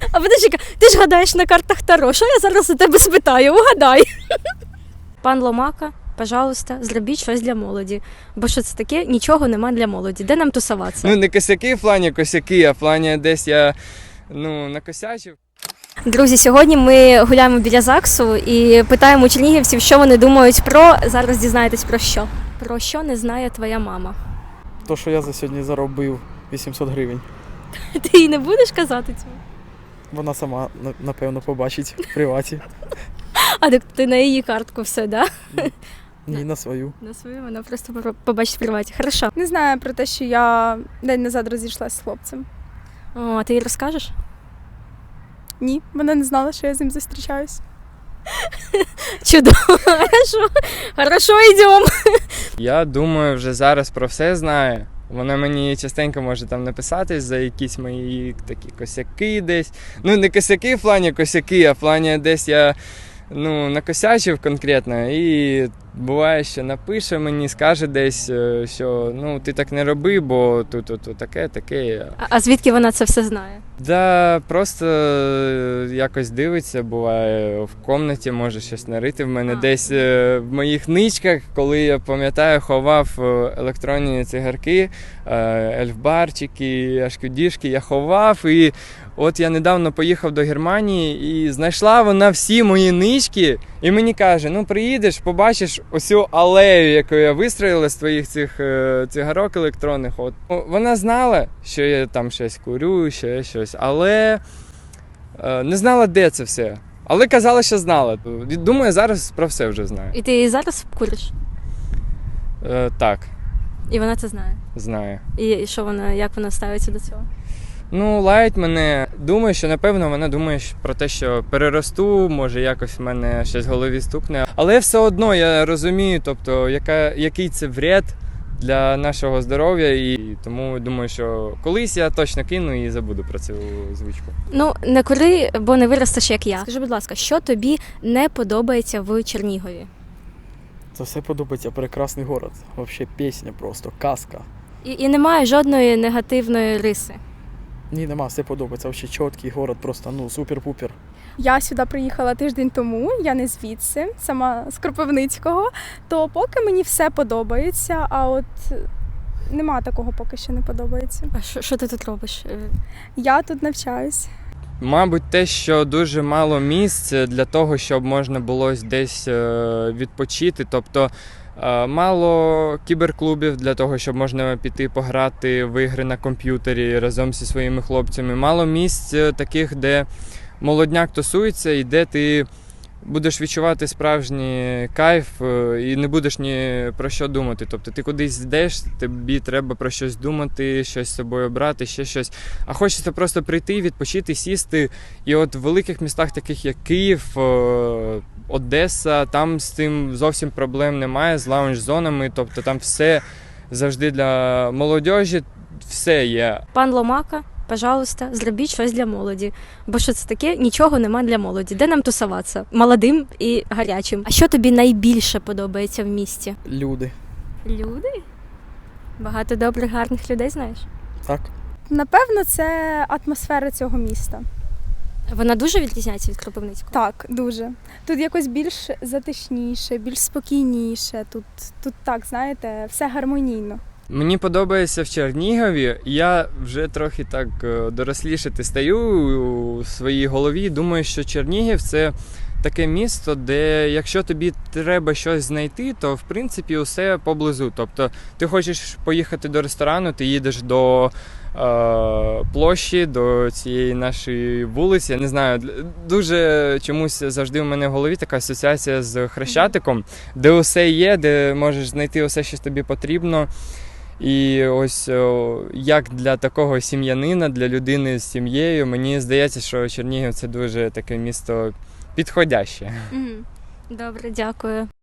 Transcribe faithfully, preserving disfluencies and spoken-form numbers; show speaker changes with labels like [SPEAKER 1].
[SPEAKER 1] А подожди, ти ж гадаєш на картах Таро. Що я зараз у тебе спитаю? Угадай. Пан Ломака, пожалуйста, зробіть щось для молоді. Бо що це таке? Нічого нема для молоді. Де нам тусуватися?
[SPEAKER 2] Ну, не косяки в плані косяки, а в плані десь я, ну, накосячив.
[SPEAKER 1] Друзі, сьогодні ми гуляємо біля ЗАГСу і питаємо у чернігівців, що вони думають про... Зараз дізнаєтесь про що. Про що не знає твоя мама.
[SPEAKER 3] То, що я за сьогодні заробив вісімсот гривень.
[SPEAKER 1] Ти їй не будеш казати цього?
[SPEAKER 3] Вона сама, на- напевно, побачить в приваті.
[SPEAKER 1] А так ти на її картку все, да?
[SPEAKER 3] Ні, на свою.
[SPEAKER 1] На свою вона просто по- побачить в приваті. Хорошо.
[SPEAKER 4] Не знаю про те, що я день назад розійшлася з хлопцем.
[SPEAKER 1] О, а ти їй розкажеш?
[SPEAKER 4] Ні, вона не знала, що я з ним зустрічаюсь.
[SPEAKER 1] Чудово. Хорошо. Хорошо, йдемо.
[SPEAKER 2] Я думаю, вже зараз про все знає. Вона мені частенько може там написати за якісь мої такі косяки десь. Ну, не косяки в плані косяки, а в плані десь я, ну, накосячив конкретно. І буває, що напише мені, скаже десь, е, що ну, ти так не роби, бо тут, тут, тут таке, таке.
[SPEAKER 1] А, а звідки вона це все знає?
[SPEAKER 2] Да, просто е, якось дивиться, буває в кімнаті, може щось нарити в мене
[SPEAKER 1] А.
[SPEAKER 2] десь е, в моїх ничках, коли я пам'ятаю, ховав е, електронні цигарки, е, ельфбарчики, ашкодішки, я ховав. І от я недавно поїхав до Германії і знайшла вона всі мої нички, і мені каже: ну приїдеш, побачиш усю алею, яку я вистроїла з твоїх цих е, цигарок електронних. От. Вона знала, що я там щось курю, ще щось, але е, не знала, де це все. Але казала, що знала. Думаю, зараз про все вже знаю.
[SPEAKER 1] І ти її зараз куриш?
[SPEAKER 2] Е, так,
[SPEAKER 1] І вона це знає.
[SPEAKER 2] знаю.
[SPEAKER 1] І що вона, як вона ставиться до цього?
[SPEAKER 2] Ну, лаять мене. Думаю, що напевно вона думає що- про те, що переросту, може якось в мене щось в голові стукне. Але все одно я розумію, тобто, яка, який це вред для нашого здоров'я, і тому думаю, що колись я точно кину і забуду про цю звичку.
[SPEAKER 1] Ну, не кури, бо не виростеш, як я. Скажи, будь ласка, що тобі не подобається в Чернігові?
[SPEAKER 3] Це все подобається. Прекрасний город. Взагалі пісня просто, казка.
[SPEAKER 1] І, і немає жодної негативної риси.
[SPEAKER 3] Ні, нема, все подобається. Взагалі чіткий город, просто ну супер-пупер.
[SPEAKER 4] Я сюди приїхала тиждень тому, я не звідси, сама з Кропивницького, то поки мені все подобається, а от нема такого поки що не подобається.
[SPEAKER 1] А що, що ти тут робиш? Е,
[SPEAKER 4] Я тут навчаюсь.
[SPEAKER 2] Мабуть, те, що дуже мало місць для того, щоб можна було десь е, відпочити. Тобто е, мало кіберклубів для того, щоб можна піти пограти в ігри на комп'ютері разом зі своїми хлопцями. Мало місць е, таких, де молодняк тусується і де ти будеш відчувати справжній кайф е, і не будеш ні про що думати. Тобто ти кудись йдеш, тобі треба про щось думати, щось з собою брати, ще щось. А хочеться просто прийти, відпочити, сісти. І от в великих містах, таких як Київ, е, Одеса, там з цим зовсім проблем немає, з лаунж-зонами. Тобто там все завжди для молодіжі, все є.
[SPEAKER 1] Пан Ломака, пожалуйста, зробіть щось для молоді. Бо що це таке? Нічого нема для молоді. Де нам тусуватися? Молодим і гарячим. А що тобі найбільше подобається в місті?
[SPEAKER 3] Люди.
[SPEAKER 1] Люди? Багато добрих, гарних людей знаєш?
[SPEAKER 3] Так?
[SPEAKER 4] Напевно, це атмосфера цього міста.
[SPEAKER 1] Вона дуже відрізняється від Кропивницького?
[SPEAKER 4] Так, дуже. Тут якось більш затишніше, більш спокійніше. Тут, тут так, знаєте, все гармонійно.
[SPEAKER 2] Мені подобається в Чернігові. Я вже трохи так е, дорослішати стаю у своїй голові. Думаю, що Чернігів – це таке місто, де якщо тобі треба щось знайти, то в принципі усе поблизу. Тобто ти хочеш поїхати до ресторану, ти їдеш до е, площі, до цієї нашої вулиці. Я не знаю, дуже чомусь завжди в мене в голові така асоціація з Хрещатиком, де усе є, де можеш знайти усе, що тобі потрібно. І ось о, як для такого сім'янина, для людини з сім'єю, мені здається, що Чернігів – це дуже таке місто підходяще.
[SPEAKER 1] Угу. Добре, дякую.